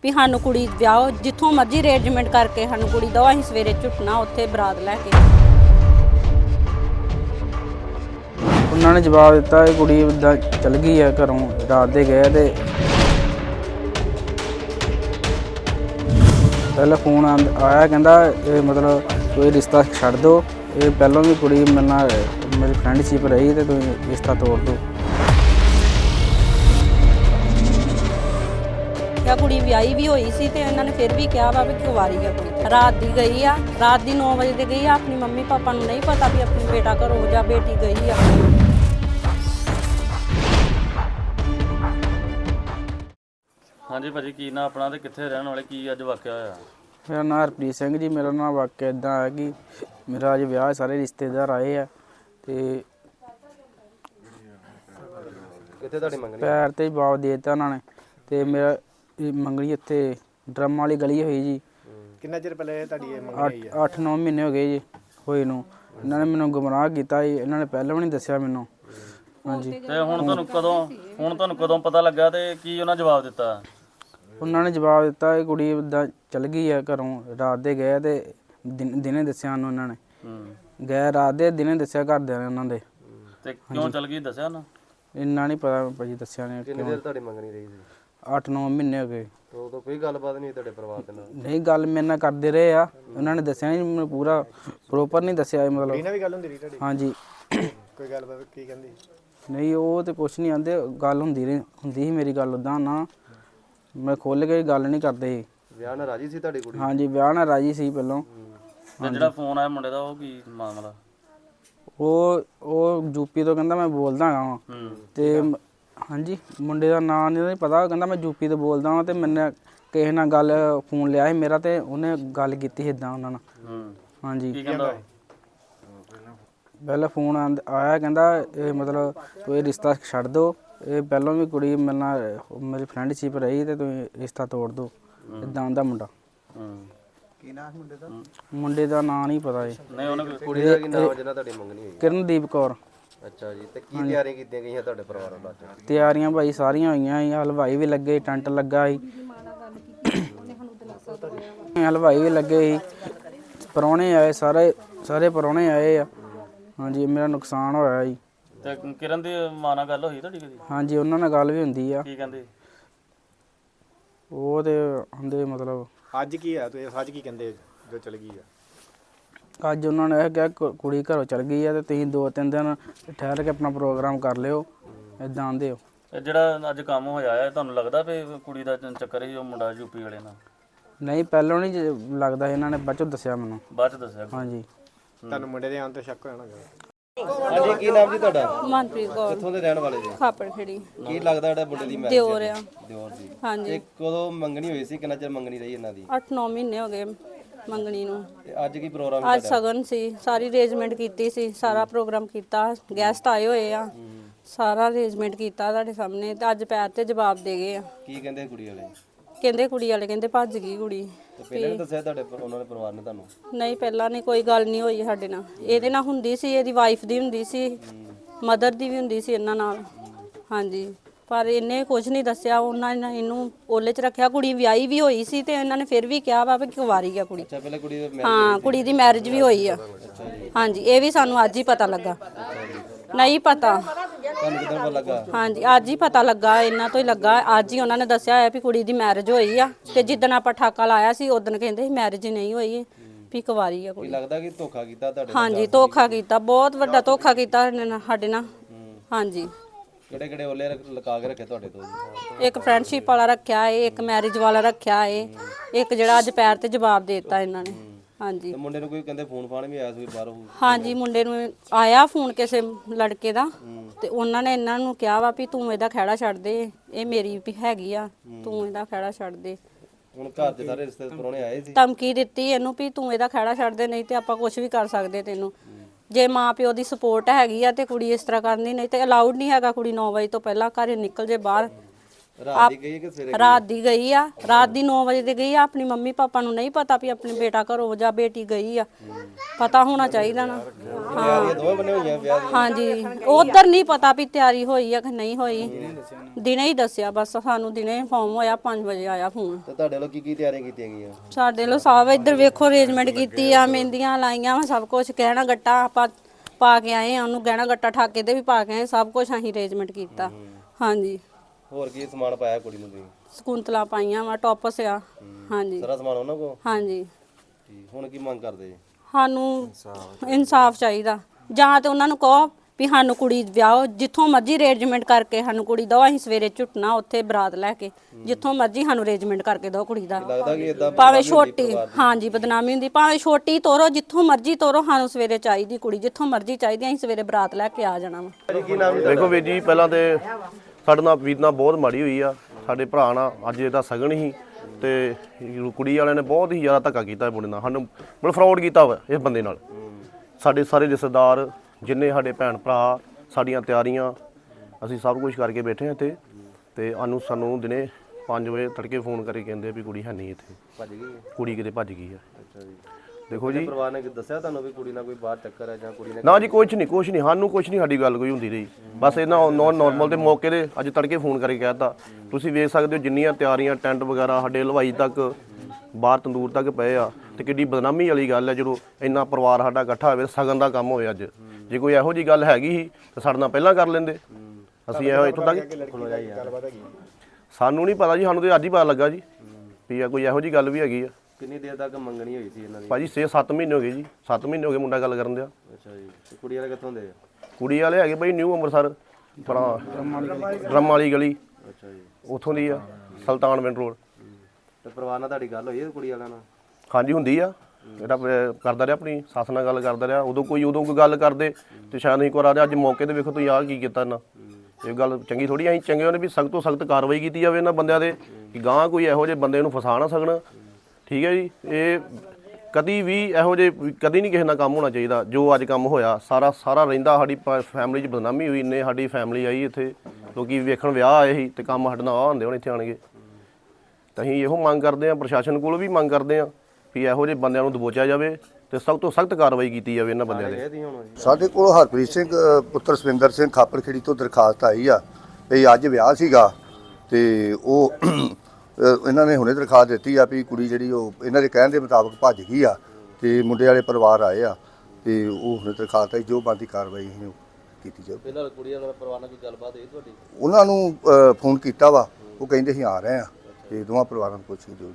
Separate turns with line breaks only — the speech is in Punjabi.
ਵੀ ਸਾਨੂੰ ਕੁੜੀ ਵਿਆਹੋ, ਜਿੱਥੋਂ ਮਰਜ਼ੀ ਅਰੇਂਜਮੈਂਟ ਕਰਕੇ ਸਾਨੂੰ ਕੁੜੀ ਦਿਓ, ਅਸੀਂ ਸਵੇਰੇ ਝੁੱਟਣਾ ਉੱਥੇ ਬਰਾਤ ਲੈ ਕੇ।
ਉਹਨਾਂ ਨੇ ਜਵਾਬ ਦਿੱਤਾ ਇਹ ਕੁੜੀ ਇੱਦਾਂ ਚਲ ਗਈ ਹੈ ਘਰੋਂ, ਰਾਤ ਦੇ ਗਏ ਤੇ ਪਹਿਲਾਂ ਫੋਨ ਆਇਆ ਕਹਿੰਦਾ ਇਹ ਮਤਲਬ ਕੋਈ ਰਿਸ਼ਤਾ ਛੱਡ ਦਿਓ, ਇਹ ਪਹਿਲਾਂ ਵੀ ਕੁੜੀ ਮੇਰੇ ਨਾਲ ਮੇਰੀ ਫਰੈਂਡਸ਼ਿਪ ਰਹੀ ਤੇ ਤੁਸੀਂ ਰਿਸ਼ਤਾ ਤੋੜ ਦਿਓ।
ਇਹ ਕੁੜੀ ਵਿਆਹੀ ਵੀ ਹੋਈ ਸੀ ਤੇ ਇਹਨਾਂ ਨੇ ਫਿਰ ਵੀ ਕਿਹਾ ਵਾ ਵੀ ਕੁਵਾਰੀ ਹੈ ਕੁੜੀ। ਰਾਤ ਦੀ ਗਈ ਆ, ਰਾਤ ਦੀ 9 ਵਜੇ ਤੇ ਗਈ ਆ। ਆਪਣੀ ਮੰਮੀ ਪਾਪਾ ਨੂੰ ਨਹੀਂ ਪਤਾ ਵੀ ਆਪਣੀ ਬੇਟਾ ਘਰੋਂ ਜਾਂ ਬੇਟੀ ਗਈ ਆ।
ਹਾਂਜੀ ਭਾਜੀ, ਕੀ ਨਾਂ ਆਪਣਾ ਤੇ ਕਿੱਥੇ ਰਹਿਣ ਵਾਲੇ, ਕੀ ਅੱਜ ਵਾਕਿਆ ਹੋਇਆ?
ਮੇਰਾ ਨਾਮ ਹਰਪ੍ਰੀਤ ਸਿੰਘ ਜੀ। ਮੇਰਾ ਨਾਮ ਵਾਕਿਆ ਇੱਦਾਂ ਹੈ ਕਿ ਮੇਰਾ ਅੱਜ ਵਿਆਹ, ਸਾਰੇ ਰਿਸ਼ਤੇਦਾਰ ਆਏ ਆ ਤੇ
ਕਿੱਥੇ ਤੁਹਾਡੀ ਮੰਗਣੀ?
ਪੈਰ ਤੇ ਜਵਾਬ ਦੇ ਦਿੱਤਾ ਉਹਨਾਂ ਨੇ ਤੇ ਮੇਰਾ ਮੰਗਣੀ ਇੱਥੇ ਡਰਮ ਵਾਲੀ ਗਲੀ ਹੋਈ ਜੀ।
ਕਿੰਨਾ ਚਿਰ ਪਹਿਲੇ ਤੁਹਾਡੀ ਇਹ ਮੰਗਣੀ ਹੋਈ ਹੈ?
8-9 ਮਹੀਨੇ ਹੋ ਗਏ ਜੀ ਹੋਏ ਨੂੰ। ਇਹਨਾਂ ਨੇ ਮੈਨੂੰ ਗੁੰਮਰਾਹ ਕੀਤਾ ਜੀ, ਇਹਨਾਂ ਨੇ ਪਹਿਲਾਂ ਵੀ ਨਹੀਂ ਦੱਸਿਆ ਮੈਨੂੰ। ਹਾਂਜੀ,
ਤੇ ਹੁਣ ਤੁਹਾਨੂੰ ਕਦੋਂ ਪਤਾ ਲੱਗਾ ਤੇ ਕੀ ਉਹਨਾਂ ਜਵਾਬ ਦਿੱਤਾ?
ਉਹਨਾਂ ਨੇ ਜਵਾਬ ਦਿੱਤਾ ਇਹ ਕੁੜੀ ਇੱਦਾਂ ਚਲ ਗਈ ਹੈ ਘਰੋਂ, ਰਾਤ ਦੇ ਗਏ ਤੇ ਦਿਨੇ ਦੱਸਿਆ ਉਹਨੂੰ। ਉਹਨਾਂ ਨੇ ਗਏ ਰਾਤ ਦੇ, ਦਿਨੇ ਦੱਸਿਆ ਘਰਦਿਆਂ ਨੇ ਉਹਨਾਂ ਦੇ।
ਤੇ ਕਿਉਂ ਚਲ ਗਈ ਦੱਸਿਆ ਨਾ?
ਇੰਨਾ ਨਹੀਂ ਪਤਾ ਭਾਜੀ, ਦੱਸਿਆ ਨੇ
ਕਿੰਨੇ ਦਿਨ ਤੁਹਾਡੀ ਮੰਗਣੀ ਰਹੀ ਸੀ?
8-9 ਮਹੀਨੇ ਹੋ ਗਏ।
ਤੇ ਉਦੋਂ ਕੋਈ ਗੱਲਬਾਤ ਨਹੀਂ ਤੁਹਾਡੇ ਪਰਿਵਾਰ ਦੇ ਨਾਲ?
ਨਹੀਂ, ਗੱਲ ਮੇਰੇ ਨਾਲ ਕਰਦੇ ਰਹੇ ਆ, ਉਹਨਾਂ ਨੇ ਦੱਸਿਆ ਨਹੀਂ ਮੈਨੂੰ, ਪੂਰਾ ਪ੍ਰੋਪਰ ਨਹੀਂ ਦੱਸਿਆ ਮਤਲਬ।
ਇਹਨਾਂ ਵੀ ਗੱਲ ਹੁੰਦੀ ਰਹੀ ਤੁਹਾਡੀ?
ਹਾਂਜੀ।
ਕੋਈ ਗੱਲਬਾਤ ਕੀ ਕਹਿੰਦੀ?
ਨਹੀਂ, ਉਹ ਤੇ ਕੁਛ ਨਹੀਂ ਆਂਦੇ, ਗੱਲ ਹੁੰਦੀ ਸੀ ਮੇਰੀ ਗੱਲ ਉੱਦਾਂ ਨਾ, ਮੈਂ ਖੁੱਲ੍ਹ ਕੇ ਗੱਲ ਨਹੀਂ ਕਰਦੇ ਸੀ।
ਵਿਆਹ ਨਾਲ ਰਾਜੀ ਸੀ ਤੁਹਾਡੀ ਕੁੜੀ? ਹਾਂਜੀ,
ਵਿਆਹ ਨਾਲ ਰਾਜੀ ਸੀ ਪਹਿਲਾਂ।
ਤੇ ਜਿਹੜਾ ਫੋਨ ਆਇਆ ਮੁੰਡੇ ਦਾ, ਉਹ ਕੀ ਮਾਮਲਾ?
ਉਹ ਯੂਪੀ ਤੋਂ ਕਹਿੰਦਾ ਮੈਂ ਬੋਲਦਾ ਹਾਂ ਤੇ ਹਾਂਜੀ, ਮੁੰਡੇ ਦਾ ਨਾਂ ਨਹੀਂ ਪਤਾ, ਕਹਿੰਦਾ ਮੈਂ ਯੂਪੀ ਤੋਂ ਬੋਲਦਾ ਹਾਂ ਤੇ ਮੈਨੇ ਕਿਸੇ ਨਾਲ ਗੱਲ ਫੋਨ ਲਿਆ ਸੀ ਮੇਰਾ ਤੇ ਉਹਨੇ ਗੱਲ ਕੀਤੀ ਸੀ ਇੱਦਾਂ ਉਹਨਾਂ ਨਾਲ। ਹਾਂਜੀ,
ਕੀ ਕਹਿੰਦਾ?
ਪਹਿਲਾਂ ਫੋਨ ਆਇਆ ਕਹਿੰਦਾ ਇਹ ਮਤਲਬ ਕੋਈ ਰਿਸ਼ਤਾ ਛੱਡ ਦਿਓ, ਇਹ ਪਹਿਲਾਂ ਵੀ ਕੁੜੀ ਮੇਰੇ ਨਾਲ ਮੇਰੀ ਫਰੈਂਡਸ਼ਿਪ ਰਹੀ ਤੇ ਤੁਸੀਂ ਰਿਸ਼ਤਾ ਤੋੜ ਦਿਓ, ਇੱਦਾਂ ਦਾ ਮੁੰਡਾ।
ਕੀ ਨਾਮ ਸੀ ਮੁੰਡੇ ਦਾ?
ਮੁੰਡੇ ਦਾ ਨਾਂ ਨਹੀਂ ਪਤਾ ਜੀ।
ਨਹੀਂ, ਉਹਨੇ
ਕੁੜੀ ਦਾ ਕੀ ਨਾਮ ਜਿਹਨਾਂ ਤੁਹਾਡੀ ਮੰਗਣੀ ਹੋਈ?
ਕਿਰਨਦੀਪ ਕੌਰ।
ਅੱਛਾ ਜੀ, ਤੇ ਕੀ ਤਿਆਰੀਆਂ ਕੀਤੀਆਂ ਗਈਆਂ ਤੁਹਾਡੇ ਪਰਿਵਾਰ ਵੱਲੋਂ ਅੱਜ?
ਤਿਆਰੀਆਂ ਭਾਈ ਸਾਰੀਆਂ ਹੋਈਆਂ ਸੀ, ਹਲਵਾਈ ਵੀ ਲੱਗੇ, ਟੈਂਟ ਲੱਗਾ ਸੀ, ਹਲਵਾਈ ਵੀ ਲੱਗੇ ਸੀ, ਪ੍ਰਾਹੁਣੇ ਆਏ, ਸਾਰੇ ਪ੍ਰਾਹੁਣੇ ਆਏ ਆ। ਹਾਂਜੀ, ਮੇਰਾ ਨੁਕਸਾਨ ਹੋਇਆ ਜੀ।
ਤੇ ਕਿਰਨ ਦੀ ਮਾਂ ਨਾਲ ਗੱਲ ਹੋਈ ਤੁਹਾਡੀ ਕਦੀ?
ਹਾਂਜੀ, ਉਹਨਾਂ ਨਾਲ ਗੱਲ ਵੀ ਹੁੰਦੀ ਆ।
ਕੀ ਕਹਿੰਦੇ?
ਉਹ ਤੇ ਹੁੰਦੇ ਮਤਲਬ
ਅੱਜ ਕੀ ਆ ਤੁਸੀਂ ਅੱਜ ਕੀ ਕਹਿੰਦੇ ਜੋ ਚਲ ਗਈ ਆ?
ਅੱਜ ਉਹਨਾਂ ਨੇ ਇਹ ਕਿਹਾ ਕੁੜੀ ਘਰੋਂ ਚਲ ਗਈ ਆ ਤੇ ਤੁਸੀਂ 2-3 ਦਿਨ ਠਹਿਰ ਕੇ ਆਪਣਾ ਪ੍ਰੋਗਰਾਮ ਕਰ ਲਿਓ, ਇੱਦਾਂ ਆਂਦੇ ਹੋ।
ਤੇ ਜਿਹੜਾ ਅੱਜ ਕੰਮ ਹੋਇਆ ਹੈ, ਤੁਹਾਨੂੰ ਲੱਗਦਾ ਵੀ ਕੁੜੀ ਦਾ ਚੱਕਰ ਸੀ ਉਹ ਮੁੰਡਾ ਯੂਪੀ ਵਾਲੇ ਨਾਲ?
ਨਹੀਂ, ਪਹਿਲਾਂ ਨਹੀਂ ਲੱਗਦਾ, ਇਹਨਾਂ ਨੇ ਬਾਅਦ ਚੋਂ ਦੱਸਿਆ ਮੈਨੂੰ।
ਬਾਅਦ ਚ ਦੱਸਿਆ?
ਹਾਂਜੀ।
ਤੁਹਾਨੂੰ ਮੁੰਡੇ ਦੇ ਆਉਣ ਤੇ ਸ਼ੱਕ ਹੋਇਆ ਨਾ? ਹਾਂਜੀ, ਕੀ ਨਾਮ ਜੀ ਤੁਹਾਡਾ?
ਮਨਪ੍ਰੀਤ ਕੌਰ,
ਕਿੱਥੋਂ ਦੇ ਰਹਿਣ ਵਾਲੇ ਜੀ?
ਖਾਪੜ ਖੇੜੀ।
ਕੀ ਲੱਗਦਾ ਜਿਹੜਾ ਮੁੰਡੇ ਦੀ ਮੈਰਿਜ
ਦਿਓਰ ਆ।
ਦਿਓਰ ਜੀ।
ਹਾਂਜੀ,
ਤੇ ਕਦੋਂ ਮੰਗਣੀ ਹੋਈ ਸੀ, ਕਿੰਨਾ ਚਿਰ ਮੰਗਣੀ ਰਹੀ ਇਹਨਾਂ ਦੀ?
8-9 ਮਹੀਨੇ ਹੋ ਗਏ ਮੰਗਣੀ ਨੂੰ।
ਤੇ ਅੱਜ ਕੀ ਪ੍ਰੋਗਰਾਮ?
ਅੱਜ ਸਗਨ ਸੀ, ਸਾਰੀ ਅਰੇਂਜਮੈਂਟ ਕੀਤੀ ਸੀ, ਸਾਰਾ ਪ੍ਰੋਗਰਾਮ ਕੀਤਾ, ਗੈਸਟ ਆਏ ਹੋਏ ਆ, ਸਾਰਾ ਅਰੇਂਜਮੈਂਟ ਕੀਤਾ ਤੁਹਾਡੇ ਸਾਹਮਣੇ। ਤੇ ਅੱਜ ਪੈਰ ਤੇ ਜਵਾਬ ਦੇ ਗਏ ਆ।
ਕੀ ਕਹਿੰਦੇ ਕੁੜੀ ਵਾਲੇ?
ਕਹਿੰਦੇ ਕੁੜੀ ਵਾਲੇ ਕਹਿੰਦੇ ਭੱਜ ਗਈ ਕੁੜੀ।
ਤੇ ਪਹਿਲਾਂ ਨਹੀਂ ਦੱਸਿਆ ਤੁਹਾਡੇ ਉਹਨਾਂ ਦੇ ਪਰਿਵਾਰ ਨੇ ਤੁਹਾਨੂੰ?
ਨਹੀਂ, ਪਹਿਲਾਂ ਨਹੀਂ ਕੋਈ ਗੱਲ ਨਹੀਂ ਹੋਈ ਸਾਡੇ ਨਾਲ। ਇਹਦੇ ਨਾਲ ਹੁੰਦੀ ਸੀ, ਇਹਦੀ ਵਾਈਫ ਦੀ ਹੁੰਦੀ ਸੀ, ਮਦਰ ਦੀ ਵੀ ਹੁੰਦੀ ਸੀ ਇਹਨਾਂ ਨਾਲ। ਹਾਂਜੀ, ਪਰ ਇਹਨੇ ਕੁਝ ਨਹੀਂ ਦੱਸਿਆ। ਉਹਨਾਂ ਨੇ ਇਹਨੂੰ ਓਲੇ 'ਚ ਰੱਖਿਆ। ਕੁੜੀ ਵਿਆਹੀ ਵੀ ਹੋਈ ਸੀ ਤੇ ਇਹਨਾਂ ਨੇ ਫਿਰ ਵੀ ਕਿਹਾ ਵਾ ਵੀ ਕੁਵਾਰੀ ਆ ਕੁੜੀ।
ਅੱਛਾ, ਪਹਿਲਾਂ ਕੁੜੀ ਦੇ
ਹਾਂ, ਕੁੜੀ ਦੀ ਮੈਰਿਜ ਵੀ ਹੋਈ ਆ। ਹਾਂਜੀ, ਇਹ ਵੀ ਸਾਨੂੰ ਅੱਜ ਹੀ ਪਤਾ ਲੱਗਾ। ਨਹੀਂ ਪਤਾ।
ਤੁਹਾਨੂੰ ਕਿੱਦਾਂ ਪਤਾ ਲੱਗਾ?
ਹਾਂਜੀ, ਅੱਜ ਹੀ ਪਤਾ ਲੱਗਾ, ਇਹਨਾਂ ਤੋਂ ਹੀ ਲੱਗਾ। ਅੱਜ ਹੀ ਉਹਨਾਂ ਨੇ ਦੱਸਿਆ ਹੋਇਆ ਵੀ ਕੁੜੀ ਦੀ ਮੈਰਿਜ ਹੋਈ ਆ ਤੇ ਜਿੱਦਣ ਆਪਾਂ ਠਾਕਾ ਲਾਇਆ ਸੀ ਉਦੋਂ ਕਹਿੰਦੇ ਸੀ ਮੈਰਿਜ ਨਹੀਂ ਹੋਈ, ਵੀ ਕੁਵਾਰੀ ਆ
ਕੀ
ਕੁੜੀ।
ਲੱਗਦਾ ਕਿ ਧੋਖਾ ਕੀਤਾ ਤੁਹਾਡੇ ਨਾਲ?
ਹਾਂਜੀ, ਧੋਖਾ ਕੀਤਾ, ਬਹੁਤ ਵੱਡਾ ਧੋਖਾ ਕੀਤਾ ਸਾਡੇ ਨਾਲ। ਹਾਂਜੀ,
ਕਿਹੜੇ ਕਿਹੜੇ ਓਲੇ ਲਗਾ ਕੇ ਰੱਖੇ ਤੁਹਾਡੇ ਤੋਂ ਜੀ?
ਇੱਕ ਫਰੈਂਡਸ਼ਿਪ ਵਾਲਾ ਰੱਖਿਆ ਏ, ਇੱਕ ਮੈਰਿਜ ਵਾਲਾ ਰੱਖਿਆ ਏ, ਇੱਕ ਜਿਹੜਾ ਅੱਜ ਪੈਰ ਤੇ ਜਵਾਬ ਦੇ ਦਿੱਤਾ ਇਹਨਾਂ ਨੇ। ਹਾਂਜੀ,
ਤੇ ਮੁੰਡੇ ਨੂੰ ਕੋਈ ਕਹਿੰਦੇ ਫੋਨ ਫਾਨ ਵੀ ਆਇਆ ਸੀ ਬਾਹਰੋਂ?
ਹਾਂਜੀ, ਮੁੰਡੇ ਨੂੰ ਆਇਆ ਫੋਨ ਕਿਸੇ ਲੜਕੇ ਦਾ ਤੇ ਉਹਨਾਂ ਨੇ ਇਹਨਾਂ ਨੂੰ ਕਿਹਾ ਵਾ ਵੀ ਤੂੰ ਇਹਦਾ ਖਹਿੜਾ ਛੱਡ ਦੇ, ਇਹ ਮੇਰੀ ਵੀ ਹੈਗੀ ਆ, ਤੂੰ ਇਹਦਾ ਖਹਿੜਾ ਛੱਡ ਦੇ।
ਹੁਣ ਘਰ ਦੇ ਸਾਰੇ ਰਿਸ਼ਤੇਦਾਰ ਪਰੋਣੇ ਆਏ ਸੀ?
ਧਮਕੀ ਦਿੱਤੀ ਇਹਨੂੰ ਵੀ ਤੂੰ ਇਹਦਾ ਖਹਿੜਾ ਛੱਡ ਦੇ, ਨਹੀਂ ਤੇ ਆਪਾਂ ਕੁਝ ਵੀ ਕਰ ਸਕਦੇ ਤੈਨੂੰ। ਜੇ ਮਾਂ ਪਿਓ ਦੀ ਸਪੋਰਟ ਹੈਗੀ ਆ ਤੇ ਕੁੜੀ ਇਸ ਤਰ੍ਹਾਂ ਕਰਨੀ, ਨਹੀਂ ਤੇ ਅਲਾਉਡ ਨਹੀਂ ਹੈਗਾ ਕੁੜੀ 9 ਵਜੇ ਤੋਂ ਪਹਿਲਾਂ ਘਰੇ ਨਿਕਲ ਜੇ ਬਾਹਰ।
ਰਾਤ ਦੀ ਗਈ ਕਿ ਸਵੇਰੇ
ਰਾਤ ਦੀ ਗਈ ਆ, ਰਾਤ ਦੀ 9 ਵਜੇ ਤੇ ਗਈ ਆ। ਆਪਣੀ ਮੰਮੀ ਪਾਪਾ ਨੂੰ ਨਹੀਂ ਪਤਾ ਵੀ ਆਪਣੀ ਬੇਟਾ ਘਰੋਂ ਜਾਂ ਬੇਟੀ ਗਈ ਆ, ਪਤਾ ਹੋਣਾ ਚਾਹੀਦਾ ਨਾ।
ਤਿਆਰੀਆਂ ਦੋਵੇਂ ਬੰਨੇ ਹੋਈਆਂ ਵਿਆਹ ਦੀ?
ਹਾਂਜੀ, ਉਧਰ ਨਹੀਂ ਪਤਾ ਵੀ ਤਿਆਰੀ ਹੋਈ ਆ ਕਿ ਨਹੀਂ ਹੋਈ, ਦਿਨੇ ਹੀ ਦੱਸਿਆ ਬਸ ਸਾਨੂੰ, ਦਿਨੇ ਫੋਨ ਹੋਇਆ 5 ਵਜੇ ਆਇਆ ਫੋਨ।
ਤੇ ਤੁਹਾਡੇ ਵੱਲੋਂ ਕੀ ਤਿਆਰੀਆਂ ਕੀਤੀਆਂ ਗਈਆਂ?
ਸਾਡੇ ਲੋ ਸਾਹਿਬ ਇੱਧਰ ਵੇਖੋ ਅਰੇਂਜਮੈਂਟ ਕੀਤੀ ਆ, ਮਹਿੰਦੀਆਂ ਲਾਈਆਂ ਵਾ, ਸਭ ਕੁਝ ਗਹਿਣਾ ਗੱਟਾ ਆਪਾਂ ਪਾ ਕੇ ਆਏ ਆ, ਉਹਨੂੰ ਗਹਿਣਾ ਗੱਟਾ ਠਾਕੇ ਤੇ ਵੀ ਪਾ ਕੇ ਆਏ, ਸਭ ਕੁਝ ਅਸੀਂ ਅਰੇਂਜਮੈਂਟ ਕੀਤਾ। ਹਾਂਜੀ,
ਹੋਰ ਕੀ ਸਮਾਨ ਪਾਇਆ ਕੁੜੀ ਨੂੰ ਤੁਸੀਂ?
ਸਕੁੰਤਲਾ ਪਾਈਆਂ ਵਾ, ਟੌਪਸ ਆ। ਹਾਂਜੀ
ਸਾਰਾ ਸਮਾਨ ਉਹਨਾਂ ਕੋਲ?
ਹਾਂਜੀ।
ਠੀਕ, ਹੁਣ ਕੀ ਮੰਗ ਕਰਦੇ ਜੀ?
ਸਾਨੂੰ ਇਨਸਾਫ ਚਾਹੀਦਾ, ਜਾਂ ਤੇ ਉਹਨਾਂ ਨੂੰ ਕਹੋ ਵੀ ਸਾਨੂੰ ਕੁੜੀ ਵਿਆਹੋ, ਜਿੱਥੋਂ ਮਰਜ਼ੀ ਅਰੇਂਜਮੈਂਟ ਕਰਕੇ ਸਾਨੂੰ ਕੁੜੀ ਦਿਓ, ਅਸੀਂ ਸਵੇਰੇ ਝੁੱਟਣਾ ਉੱਥੇ ਬਰਾਤ ਲੈ ਕੇ, ਜਿੱਥੋਂ ਮਰਜ਼ੀ ਸਾਨੂੰ ਅਰੇਂਜਮੈਂਟ ਕਰਕੇ ਦਿਓ ਕੁੜੀ ਦਾ।
ਲੱਗਦਾ ਕਿ ਇਦਾਂ
ਭਾਵੇਂ ਛੋਟੀ, ਹਾਂਜੀ ਬਦਨਾਮੀ ਹੁੰਦੀ, ਭਾਵੇਂ ਛੋਟੀ ਤੋਰੋ, ਜਿੱਥੋਂ ਮਰਜ਼ੀ ਤੋਰੋ, ਸਾਨੂੰ ਸਵੇਰੇ ਚਾਹੀਦੀ ਕੁੜੀ, ਜਿੱਥੋਂ ਮਰਜ਼ੀ ਚਾਹੀਦੀ, ਅਸੀਂ ਸਵੇਰੇ ਬਰਾਤ ਲੈ ਕੇ ਆ ਜਾਣਾ ਵਾ।
ਕੀ ਨਾਮ ਜੀ?
ਦੇਖੋ ਵੀਰ ਜੀ, ਪਹਿਲਾਂ ਤੇ ਸਾਡੇ ਨਾਲ ਵੀਰ ਨਾਲ ਬਹੁਤ ਮਾੜੀ ਹੋਈ ਆ। ਸਾਡੇ ਭਰਾ ਨਾਲ ਅੱਜ ਇਹਦਾ ਸਗਨ ਹੀ, ਤੇ ਕੁੜੀ ਵਾਲਿਆਂ ਨੇ ਬਹੁਤ ਹੀ ਜ਼ਿਆਦਾ ਧੱਕਾ ਕੀਤਾ ਮੁੰਡੇ ਨਾਲ, ਸਾਨੂੰ ਬੜਾ ਫਰਾਡ ਕੀਤਾ ਵਾ ਇਸ ਬੰਦੇ ਨਾਲ। ਸਾਡੇ ਸਾਰੇ ਰਿਸ਼ਤੇਦਾਰ ਜਿੰਨੇ ਸਾਡੇ ਭੈਣ ਭਰਾ, ਸਾਡੀਆਂ ਤਿਆਰੀਆਂ ਅਸੀਂ ਸਭ ਕੁਝ ਕਰਕੇ ਬੈਠੇ ਹਾਂ ਇੱਥੇ, ਤੇ ਸਾਨੂੰ ਦਿਨੇ 5 ਵਜੇ ਤੜਕੇ ਫੋਨ ਕਰਕੇ ਕਹਿੰਦੇ ਵੀ ਕੁੜੀ ਹੈ ਨਹੀਂ ਇੱਥੇ,
ਭੱਜ ਗਈ?
ਕੁੜੀ ਕਿਤੇ ਭੱਜ ਗਈ ਆ।
ਅੱਛਾ ਜੀ।
ਦੇਖੋ ਜੀ,
ਪਰਿਵਾਰ ਨੇ ਦੱਸਿਆ ਤੁਹਾਨੂੰ ਵੀ ਕੁੜੀ ਨਾਲ ਕੋਈ ਬਾਹਰ ਚੱਕਰ ਹੈ ਜਾਂ ਕੁੜੀ ਨੇ?
ਨਾ ਜੀ ਕੁਛ ਨਹੀਂ ਸਾਨੂੰ ਕੁਛ ਨਹੀਂ, ਸਾਡੀ ਗੱਲ ਕੋਈ ਹੁੰਦੀ ਰਹੀ। ਬਸ ਇਹਨਾਂ ਨੋਰਮਲ ਦੇ ਮੌਕੇ ਦੇ ਅੱਜ ਤੜਕੇ ਫੋਨ ਕਰਕੇ ਕਹਿਤਾ। ਤੁਸੀਂ ਵੇਖ ਸਕਦੇ ਹੋ ਜਿੰਨੀਆਂ ਤਿਆਰੀਆਂ, ਟੈਂਟ ਵਗੈਰਾ ਸਾਡੇ ਹਲਵਾਈ ਤੱਕ, ਬਾਹਰ ਤੰਦੂਰ ਤੱਕ ਪਏ ਆ, ਤੇ ਕਿੱਡੀ ਬਦਨਾਮੀ ਵਾਲੀ ਗੱਲ ਹੈ ਜਦੋਂ ਇੰਨਾ ਪਰਿਵਾਰ ਸਾਡਾ ਇਕੱਠਾ ਹੋਵੇ, ਸਗਨ ਦਾ ਕੰਮ ਹੋਵੇ। ਅੱਜ ਜੇ ਕੋਈ ਇਹੋ ਜੀ ਗੱਲ ਹੈਗੀ ਸੀ ਤਾਂ ਸਾਡੇ ਨਾਲ ਪਹਿਲਾਂ ਕਰ ਲੈਂਦੇ, ਅਸੀਂ ਇਹੋ ਇੱਥੋਂ ਤੱਕ। ਸਾਨੂੰ ਨਹੀਂ ਪਤਾ ਜੀ, ਸਾਨੂੰ ਤੇ ਅੱਜ ਹੀ ਪਤਾ ਲੱਗਾ ਜੀ ਵੀ ਆ ਕੋਈ ਇਹੋ ਜੀ ਗੱਲ ਵੀ ਹੈਗੀ ਆ।
ਕਿੰਨੀ ਦੇਰ ਤੱਕ ਮੰਗਣੀ ਹੋਈ ਸੀ ਇਹਨਾਂ ਦੀ?
ਭਾਜੀ 6-7 ਮਹੀਨੇ ਹੋ ਗਏ ਜੀ, 7 ਮਹੀਨੇ ਹੋ ਗਏ ਮੁੰਡਾ ਗੱਲ ਕਰਨ ਦਿਆ।
ਅੱਛਾ ਜੀ। ਤੇ ਕੁੜੀ ਵਾਲੇ ਕਿੱਥੋਂ ਦੇ ਆ?
ਕੁੜੀ ਵਾਲੇ ਹੈਗੇ ਭਾਈ ਨਿਊ ਅੰਮ੍ਰਿਤਸਰ, ਡਰਮ ਵਾਲੀ ਗਲੀ,
ਅੱਛਾ ਜੀ।
ਉੱਥੋਂ ਦੀ ਆ, ਸੁਲਤਾਨ ਮਿੰਟ ਰੋਡ।
ਤੇ ਪਰਿਵਾਰ ਨਾਲ ਤੁਹਾਡੀ ਗੱਲ ਹੋਈ ਹੈ ਕੁੜੀ ਵਾਲਿਆਂ ਨਾਲ?
ਹਾਂਜੀ ਹੁੰਦੀ ਆ, ਜਿਹੜਾ ਕਰਦਾ ਰਿਹਾ ਆਪਣੀ ਸੱਸ ਨਾਲ ਗੱਲ ਕਰਦਾ ਰਿਹਾ। ਉਦੋਂ ਕੋਈ ਗੱਲ ਕਰਦੇ ਤੇ ਸ਼ਾਇਦ ਨਹੀਂ ਕਰਾ ਰਿਹਾ। ਅੱਜ ਮੌਕੇ ਤੇ ਵੇਖੋ ਤੁਸੀਂ ਆਹ ਕੀ ਕੀਤਾ ਨਾ, ਇਹ ਗੱਲ ਚੰਗੀ ਥੋੜੀ। ਅਸੀਂ ਚੰਗੇ ਉਹਨੇ ਵੀ ਸਖਤ ਤੋਂ ਸਖਤ ਕਾਰਵਾਈ ਕੀਤੀ ਜਾਵੇ ਇਹਨਾਂ ਬੰਦਿਆਂ ਦੇ, ਕਿ ਗਾਂ ਕੋਈ ਇਹੋ ਜਿਹੇ ਬੰਦੇ ਨੂੰ ਫਸਾ ਨਾ ਸਕਣ। ਠੀਕ ਹੈ ਜੀ, ਇਹ ਕਦੀ ਵੀ ਇਹੋ ਜਿਹੇ ਕਦੀ ਨਹੀਂ ਕਿਸੇ ਨਾਲ ਕੰਮ ਹੋਣਾ ਚਾਹੀਦਾ ਜੋ ਅੱਜ ਕੰਮ ਹੋਇਆ। ਸਾਰਾ ਰਹਿੰਦਾ ਸਾਡੀ ਫੈਮਿਲੀ 'ਚ ਬਦਨਾਮੀ ਹੋਈ। ਇੰਨੇ ਸਾਡੀ ਫੈਮਿਲੀ ਆਈ ਇੱਥੇ, ਲੋਕੀ ਵੇਖਣ ਵਿਆਹ ਆਏ ਸੀ, ਤੇ ਕੰਮ ਸਾਡੇ ਨਾਲ ਆਹ ਹੁੰਦੇ ਹੁਣ ਇੱਥੇ ਆਣਗੇ। ਤਾਂ ਅਸੀਂ ਇਹੋ ਮੰਗ ਕਰਦੇ ਹਾਂ, ਪ੍ਰਸ਼ਾਸਨ ਕੋਲ ਵੀ ਮੰਗ ਕਰਦੇ ਹਾਂ ਵੀ ਇਹੋ ਜਿਹੇ ਬੰਦਿਆਂ ਨੂੰ ਦਬੋਚਿਆ ਜਾਵੇ ਤੇ ਸਖਤ ਤੋਂ ਸਖਤ ਕਾਰਵਾਈ ਕੀਤੀ ਜਾਵੇ ਇਹਨਾਂ ਬੰਦਿਆਂ ਦੇ।
ਸਾਡੇ ਕੋਲ ਹਰਪ੍ਰੀਤ ਸਿੰਘ ਪੁੱਤਰ ਸਵਿੰਦਰ ਸਿੰਘ ਖਾਪਰਖੇੜੀ ਤੋਂ ਦਰਖਾਸਤ ਆਈ ਆ ਵੀ ਅੱਜ ਵਿਆਹ ਸੀਗਾ, ਤੇ ਉਹ ਇਹਨਾਂ ਨੇ ਹੁਣੇ ਦਰਖਾਸਤ ਦਿੱਤੀ ਆ ਵੀ ਕੁੜੀ ਜਿਹੜੀ ਉਹ ਇਹਨਾਂ ਦੇ ਕਹਿਣ ਦੇ ਮੁਤਾਬਕ ਭੱਜ ਗਈ ਆ, ਤੇ ਮੁੰਡੇ ਵਾਲੇ ਪਰਿਵਾਰ ਆਏ ਆ, ਤੇ ਉਹ ਹੁਣੇ ਦਰਖਾਸਤ ਆਈ, ਜੋ ਬਣਦੀ ਕਾਰਵਾਈ ਅਸੀਂ ਕੀਤੀ ਜਾਵੇ।
ਪਹਿਲਾਂ ਕੁੜੀ ਵਾਲੇ ਪਰਿਵਾਰ ਨਾਲ ਕੋਈ ਗੱਲਬਾਤ ਹੋਈ ਤੁਹਾਡੀ?
ਉਹਨਾਂ ਨੂੰ ਫੋਨ ਕੀਤਾ ਵਾ, ਉਹ ਕਹਿੰਦੇ ਅਸੀਂ ਆ ਰਹੇ ਆ, ਤੇ ਦੋਵਾਂ ਪਰਿਵਾਰਾਂ ਨੂੰ ਪੁੱਛ ਕੇ ਜੋ